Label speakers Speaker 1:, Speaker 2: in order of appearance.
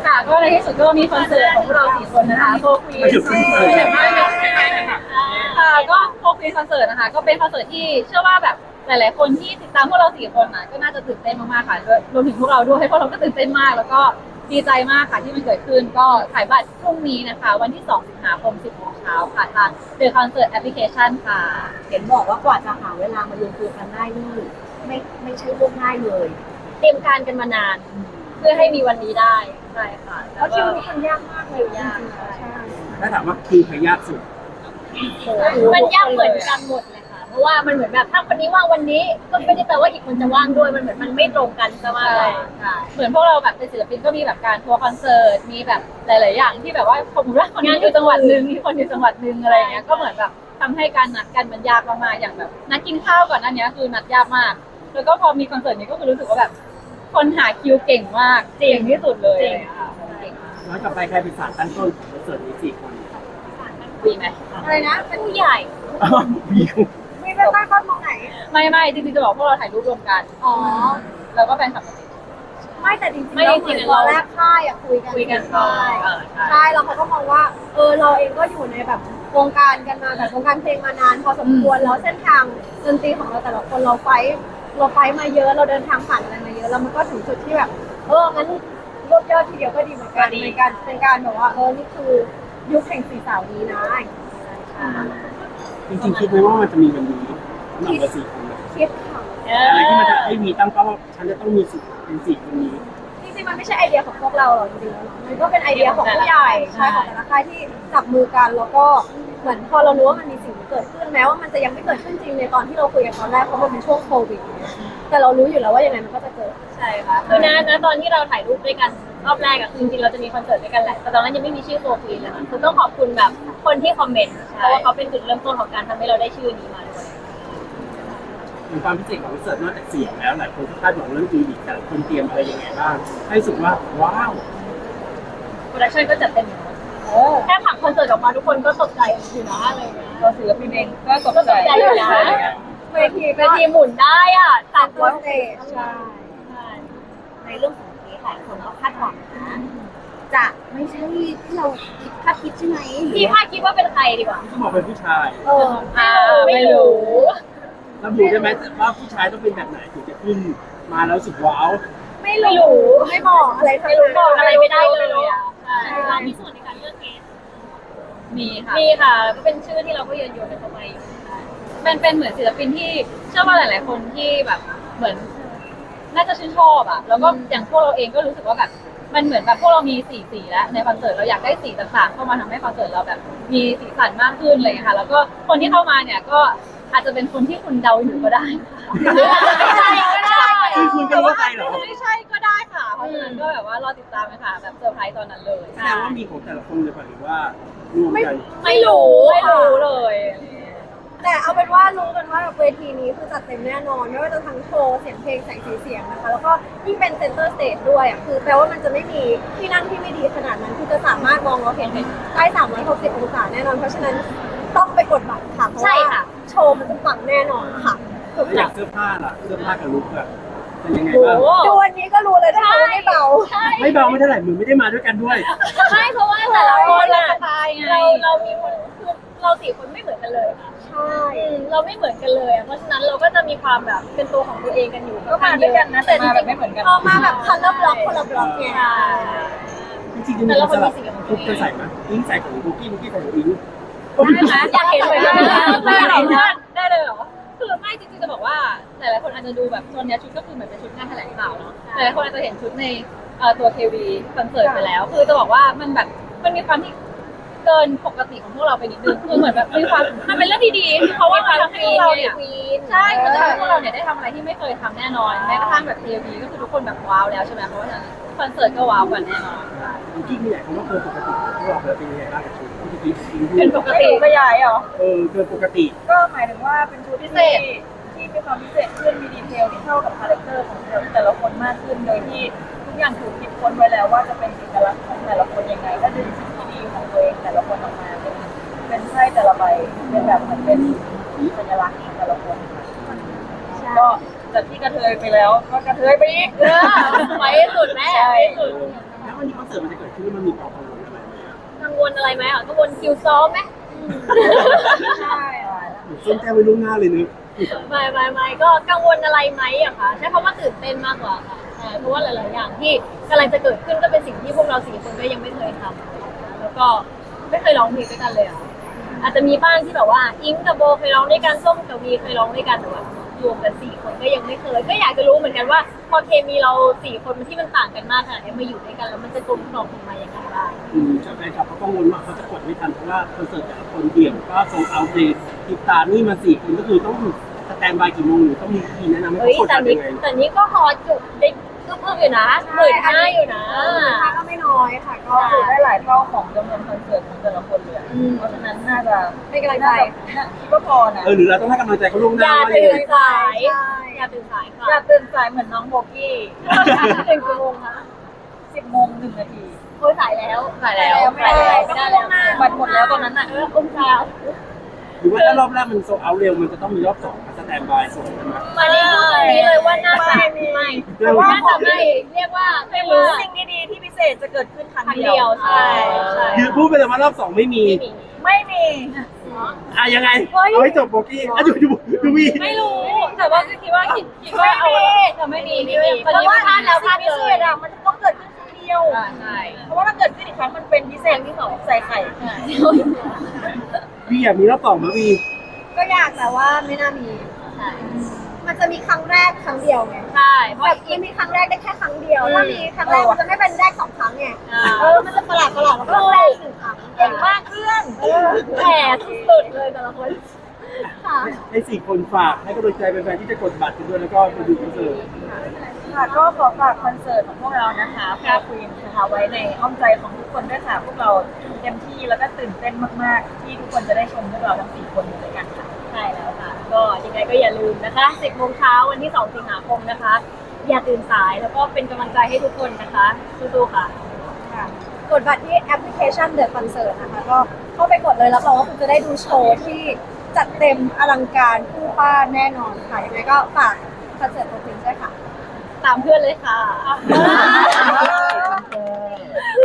Speaker 1: ค่ะก็ในที่สุดก็มีคอนเสิร์ตของพวกเรา4คนนะคะโฟควีนค่ะก็โฟควีนคอนเสิร์ตนะคะก็เป็นคอนเสิร์ตที่เชื่อว่าแบบหลายๆคนที่ติดตามพวกเรา4คนนะก็น่าจะตื่นเต้นมากๆค่ะรวมถึงพวกเราด้วยพวกเราก็ตื่นเต้นมากแล้วก็ดีใจมากค่ะที่มันเกิดขึ้นก็ขายบัตรพรุ่งนี้นะคะวันที่2 สิงหาคม 10 โมงเช้าค่ะทางเดอะคอนเสิร์ตแอปพลิเคชันค่ะ
Speaker 2: เห็นบอกว่ากว่าจะหาเวลามารวมตัวกันได้นี่ไม่ใช่เรื่องง่ายเลย
Speaker 1: เตรียมการกันมานานเพื่อให้มีวันนี้ได้ใช่ค่ะ
Speaker 2: แล้วคิวนี้มันยากมากเลยยากใช่
Speaker 3: ถ้าถามว่าคิวใครยากสุด
Speaker 1: มันยากเหมือนกันหมดเลยค่ะเพราะว่ามันเหมือนแบบถ้าคนนี้ว่างวันนี้ก็ไม่ได้แปลว่าอีกคนจะว่างด้วยมันเหมือนมันไม่ตรงกันซะมากกว่าเหมือนพวกเราแบบเป็นศิลปินก็มีแบบการทัวร์คอนเสิร์ตมีแบบหลายๆอย่างที่แบบว่าสมมติว่าคนนี้อยู่จังหวัดนึงมีคนอยู่จังหวัดนึงอะไรเงี้ยก็เหมือนแบบทำให้การนัดกันมันยากมากๆอย่างแบบนัดกินข้าวก่อนอันนี้คือนัดยากมากแล้วก็พอมีคอนเสิร์ตนี้ก็คือรู้สึกว่าแบบคนหาคิวเก่งมากเก่งที่สุดเลย
Speaker 3: ย้อนกลับไปใครเป็นสารตั้งต้นของคอนเสิร์ตนี้4 คนครับ
Speaker 1: มีไหม
Speaker 2: อะไรนะ
Speaker 1: เป็นผู้ใหญ่
Speaker 3: มีค
Speaker 2: ไม่ได้ตั้งต้นตรงไหน
Speaker 1: ไม่จริงๆจะบอกพวกเราถ่ายรูปรวมกัน
Speaker 2: อ๋อ
Speaker 1: แล้วก็แฟนคลับ
Speaker 2: ไม่แต่จริงๆเราเหมือนตอนแรกค่ายคุยกันใช่แล้วเขาก็มองว่าเราเองก็อยู่ในแบบวงการกันมาแบบวงการเพลงมานานพอสมควรแล้วเส้นทางดนตรีของเราแต่ละคนเราไฟมาเยอะเราเดินทางผ่านอะไรมาเยอะแล้วมันก็ถึงจุดที่แบบงั้นรวบยอดทีเดียวก็ดีเหมือนกันในการเป็นการแบบว่านี่คือยุคแห่ง4 สาวนี้นะ
Speaker 3: จริงๆคิดไหมว่ามันจะมีวันนี้สำหรับเรา4 คนเนี่ย
Speaker 2: คิดค่ะ
Speaker 3: อะไรที่มันจะให้มีตั้งเป้าว่าฉันจะต้องมีสิทธิ์เป็น4 คนนี้
Speaker 2: จริงๆมันไม่ใช่ไอเดียของพวกเราหรอกจริงๆมันก็เป็นไอเดียของผู้ใหญ่ใช่ของแต่ละค่ายที่จับมือกันแล้วก็เหมือนพอเรารู้ว่ามันมีสิ่งที่เกิดขึ้นแม้ว่ามันจะยังไม่เกิดขึ้นจริงในตอนที่เราคุยกันตอนแรกเพราะมันเป็นช่วงโควิดแต่เรารู้อยู่แล้วว่ายังไงมันก็จะเกิด
Speaker 1: ใช่ค่ะคือนะตอนที่เราถ่ายรูปด้วยกันรอบแรกอะคือจริงๆเราจะมีคอนเสิร์ตด้วยกันแหละแต่ตอนนั้นยังไม่มีชื่อโฟร์ฟีนเลยค่ะคือต้องขอบคุณแบบคนที่คอมเมนต์เพราะว่าเขาเป็นจุดเริ่มต้นของการทำให้เราได้ชื่อนี้มาด้วย
Speaker 3: มีความพิเศษของคอนเสิร์ตนอกจากเสียงแล้วหลายคนก็คาดหวังเรื่องดีดีแต่ละคนเตรียมอะไรยังไงบ้างให้รู้สึกว่าว้าว
Speaker 1: โปรดักชั่นก็จัดเต็มอยู่แค่ผังคอนเสิร์ตออกมาทุกคนก็ตกใจอยู่นะอะไรเงี้ยเราศิลปินเองก็ตกใจอยู่นะเวทีหมุนได้อ่ะ
Speaker 2: 300 สเตจใช่
Speaker 1: ในเรื่องของนี้หลายคนก็คาดหวังนะจะไม่ใช่ที่เราคาดคิดใช่ไหมพี่คาดคิดว่าเป็นใครดีกว่า
Speaker 3: เขาบอกเป็นผู้ชาย
Speaker 1: ไม่รู้
Speaker 3: ระบุได้ไหมว่าผู้ชายต้องเป็นแบบไหนถึงจะขึ้นมาแล้วรู้สึกว้าว
Speaker 2: ไม่รู้ไม่บอกอะไรทั้งนั้น
Speaker 1: บอกอะไรไม่ได้เลยอ่ะใช่เรามีส่วนในการเลือกเกสมีค่ะก็เป็นชื่อที่เราก็โยนไปเข้าไปอยู่เป็นเหมือนศิลปินที่เชื่อว่าหลายๆคนที่แบบเหมือนน่าจะชื่นชอบอ่ะแล้วก็อย่างพวกเราเองก็รู้สึกว่าแบบมันเหมือนแบบพวกเรามีสีแล้วในคอนเสิร์ตเราอยากได้สีต่างๆเข้ามาทำให้คอนเสิร์ตเราแบบมีสีสันมากขึ้นเลยค่ะแล้วก็คนที่เข้ามาเนี่ยก็อาจจะเป็นคนที่คุณเดาอยู่ก็ได้ไม่ใช่ก็ได้
Speaker 3: คือคุณจะว่าใครเหรอ
Speaker 1: ไม่ใช่ก็ได้ค่ะเพราะฉะนั้นก็แบบว่ารอติดตามเลยค่ะแบบเซอร์ไพรส์ตอนนั้นเลย
Speaker 3: แสดงว่ามีของแต่ละคนเลยป่ะหรือว่ารวมกัน
Speaker 1: ไม่รู้เลย
Speaker 2: แต่เอาเป็นว่ารู้กันว่าเวทีนี้คือจัดเต็มแน่นอนไม่ว่าจะทั้งโชว์เสียงเพลงแสงสีเสียงนะคะแล้วก็ยิ่งเป็นเซ็นเตอร์สเตจด้วยคือแปลว่ามันจะไม่มีที่นั่งที่ไม่ดีขนาดนั้นคือจะสามารถมองเราเห็นได้360 องศาแน่นอนเพราะฉะนั้นต้องไปกดบัตรค่ะเพราะว่าโชว์มันจะปังแน่นอนค่ะ
Speaker 3: อยากเสื้อผ้าล่ะเสื้อผ้ากับลุคอะเป็นยังไงบ้าง
Speaker 2: ดูวันนี้ก็รู้เลยนะคะว่าไม่เบา
Speaker 3: ไม่เบาไม่เท่าไหร่มึงไม่ได้มาด้วยกันด้วย
Speaker 1: ไม่เพราะว่าแต่ละคนเรามีคนคือเรา4 คนไม่เหมือนกันเลยค่ะ
Speaker 2: ใช่
Speaker 1: เราไม่เหมือนกันเลยเพราะฉะนั้นเราก็จะมีความแบบเป็นตัวของตัวเองกันอยู่
Speaker 2: ก็มาด้วยกันนะแต่จริงๆไม่เหมือนกันพอมาแบบคัลเลอร์บล็อกคนละบล็อกเนี่ย
Speaker 3: จริงๆจะมีสลับทุกจะใส่ไหมอิงใส่ของบุกี้ใส่ของอิง
Speaker 1: ได้ไหมอยากเห็นเลยได้เลยเหรอคือไม่จริงๆจะบอกว่าหลายๆคนอาจจะดูแบบโซนนี้ชุดก็คือเหมือนเป็นชุดงานแถลงข่าวเนาะหลายๆคนอาจจะเห็นชุดในตัวเควีคอนเสิร์ตไปแล้วคือจะบอกว่ามันแบบมันมีความที่เกินปกติของพวกเราไปนิดนึงคือเหมือนแบบมีความมันเป็นเรื่องที่ดีเพราะว่ามันทำให้พวกเราเนี่ยใช่มันจะทำให้พวกเราเนี่ยได้ทำอะไรที่ไม่เคยทำแน่นอนแม้กระทั่งแบบเควีก็คือทุกคนแบบว้าวแล้วใช่ไหมเพราะว่าคอนเสิร์ตก็ว้าวกันแน่นอน
Speaker 3: บุกี้มีอะไรคำว่าเกินปกติพวกเราเป็นยังไงบ้างกับชุดที่
Speaker 1: เป็นปกติ
Speaker 2: ขยายเหรอ
Speaker 3: เกินปกติ
Speaker 2: ก็หมายถึงว่าเป็นชุดพิเศษที่มีความพิเศษขึ้นมีดีเทลที่เข้ากับคาแรคเตอร์ของแต่ละคนมากขึ้นโดยที่ทุกอย่างถูกคิดค้นไว้แล้วว่าจะเป็นเอกลักษณ์ของแต่ละคนยังไงก็ดึงสิ่งที่ดีของตัวเองแต่ละคนออกมาเป็นไพ่แต่ละใบเป็นแบบเหมือนเป็นสัญลักษณ์ของแต่ละคนก็จากที่กระเทยไปแล้วก็กระเทยไปอีก
Speaker 1: ไปสุดแม่
Speaker 3: แวันนี้คอนเสิร์ตมันจะเกิดขึ้นมันมีความกังวลอะไรไหม
Speaker 1: กังวลอะไรไหมกังวลคิวซ้อมไหม
Speaker 2: ใช่
Speaker 3: ส้มแจ้งไว้ล่วงหน้าเลยนึก
Speaker 1: ไม่ก็กังวลอะไรไหมอะคะใช้คำว่าตื่นเต้นมากกว่าค่ะใช่เพราะว่าหลายๆอย่างที่กำลังจะเกิดขึ้นก็เป็นสิ่งที่พวกเราสี่คนก็ยังไม่เคยทำแล้วก็ไม่เคยร้องเพลงด้วยกันเลยอะอาจจะมีบ้างที่แบบว่าอิงกับโบเคยร้องด้วยกันส้มกับวีเคยร้องด้วยกันแต่ว่ารวมกันสี่คนก็ยังไม่เคยก็อยากจะรู้เหมือนกันว่าพอเคมีเราสี่คนที่มันต่างกันมากขนาดนี้มาอยู่ด้วยกันแล้วมันจะกลมกล่อมออกมาอย่างไรบ้าง
Speaker 3: จากแฟนคลับเขากังวลว่าเขาจะกดไม่ทันเพราะว่าคอนเสิร์ตแต่ละคนเดี่ยวก็โซลเอาท์เลยติดตามนี่มา4 คนก็คือต้องสแตนบายกี่โมงหรือต้องมีทีแนะนำให้
Speaker 1: เฮ้ย
Speaker 3: เขากด
Speaker 1: แต่
Speaker 3: ทัน
Speaker 1: นี้
Speaker 3: ยังไง
Speaker 1: แต่นี้ก็ฮอตจุดได้ก็เพิ่มอยู่นะ15,000อยู่นะ
Speaker 2: ค่ะก็ไม่น้อยค่ะก็
Speaker 4: ก็คือได้หลายเท่าของจำนวนคอนเสิร์ตของแต่ละคนเลยเพราะฉะนั้นน่าจะ
Speaker 2: เป็นกำลังใจ
Speaker 4: คิดว่าพอนะ
Speaker 3: หรือเราต้องให้กำลังใจเขาล่วงห
Speaker 1: อ
Speaker 3: น้า
Speaker 1: ย่า
Speaker 3: ว่า
Speaker 1: ตื่
Speaker 3: ยัง
Speaker 1: น
Speaker 3: ไง
Speaker 1: สายอย่าตื่นสายค่ะ
Speaker 4: อยากตื่นสายเหมือนน้องโบกี้
Speaker 1: ตื่นกี่โมงคะ
Speaker 4: 10 โมง 1 นาที
Speaker 1: โอ้ยสายแล้ว
Speaker 4: ไม่ได้แล้ว
Speaker 1: ไม่ได้แล้ว
Speaker 4: บัตรหมดแล้วตอนนั้นน่ะ
Speaker 1: อุ้มเช้า
Speaker 3: หรือว่าถ้ารอบแรกมันโซลเอาท์เร็วมันจะต้องมีรอบ2มาสแตนบายส่งใช่ไหม
Speaker 1: วันนี้พูดตรงนี้เลยว่าน่าจะไม่
Speaker 3: แต่ว่า
Speaker 1: น่าจะไม่เรียกว่า
Speaker 4: ไม่รู้สิ่งดีๆที่พิเศษจะเกิดขึ้นครั้ง
Speaker 1: ครั้ง
Speaker 4: เดี
Speaker 1: เดี
Speaker 4: ย
Speaker 1: ยว วใช่ใช่
Speaker 3: คือพูดไปเลยว่ารอบ2ไม่มี
Speaker 4: ไม่มี
Speaker 3: ยังไงเอาให้จบโบกี้ดูวี
Speaker 1: ไม่รู้แต่ว่าก็คิดว่าว่าเอาจะไม่มีไม่มี
Speaker 4: เพราะว่า
Speaker 1: พลาดแล้วพลาด
Speaker 4: พิ
Speaker 1: เล
Speaker 4: เศ
Speaker 1: ย
Speaker 4: ษอ่ะมันต้องเกิดขึ้นครั้งเดียว
Speaker 1: ใช่
Speaker 4: เพราะว่าถ้าเกิดขึ้นอีกครั้งมันเป็นพิเศษที่สองใส่ไข่
Speaker 3: วีอยากมีรอบ2ไหมวี
Speaker 2: ก็อยากแต่ว่าไม่น่ามี มันจะมีครั้งแรกครั้งเดียวไง
Speaker 1: ใช่เพราะ
Speaker 2: แบบอีมีครั้งแรกได้แค่ครั้งเดียวถ้ามีครั้งแรกมันจะไม่เป็นแรก2 ครั้งไงมันจะประหลาดแล้วก็แรก1 ครั้ง
Speaker 4: เก่งมากเพื่อน
Speaker 1: แผลสุดๆเลยแต่ละคน
Speaker 2: ค่ะ
Speaker 3: ให้4 คนฝากให้กำลังใจแฟนๆที่จะกดบัตรกันด้วยแล้วก็ไปดูคอนเสิร์ต
Speaker 4: ค่ะก็ขอฝากคอนเสิร์ตของพวกเรานะคะแพรควีนนะคะไว้ในอ้อมใจของทุกคนด้วยค่ะพวกเราเต็มที่แล้วก็ตื่นเต้นมากๆ ที่ทุกคนจะได้ชมพวกเราทั้ง4 คนด้วยกันค่ะ
Speaker 1: ใช่แล้วค่ะ ก็ยังไงก็อย่าลืมนะคะ 10 โมงเช้าวันที่ 2 สิงหาคมนะคะ อย่าตื่นสายแล้วก็เป็นกำลังใจให้ทุกคนนะคะสู้ๆค่ะ
Speaker 2: ค่ะกดบัตรที่แอปพลิเคชัน The Concert นะคะก็เข้าไปกดเลยรับรองว่าคุณจะได้ดูโชว์ที่จัดเต็มอลังการคู่ฟ้าแน่นอนค่ะยังไงก็ฝากคอนเสิร์ตตัวจริงด้วยค่ะ
Speaker 1: ตามเพื่อนเลยค่ะ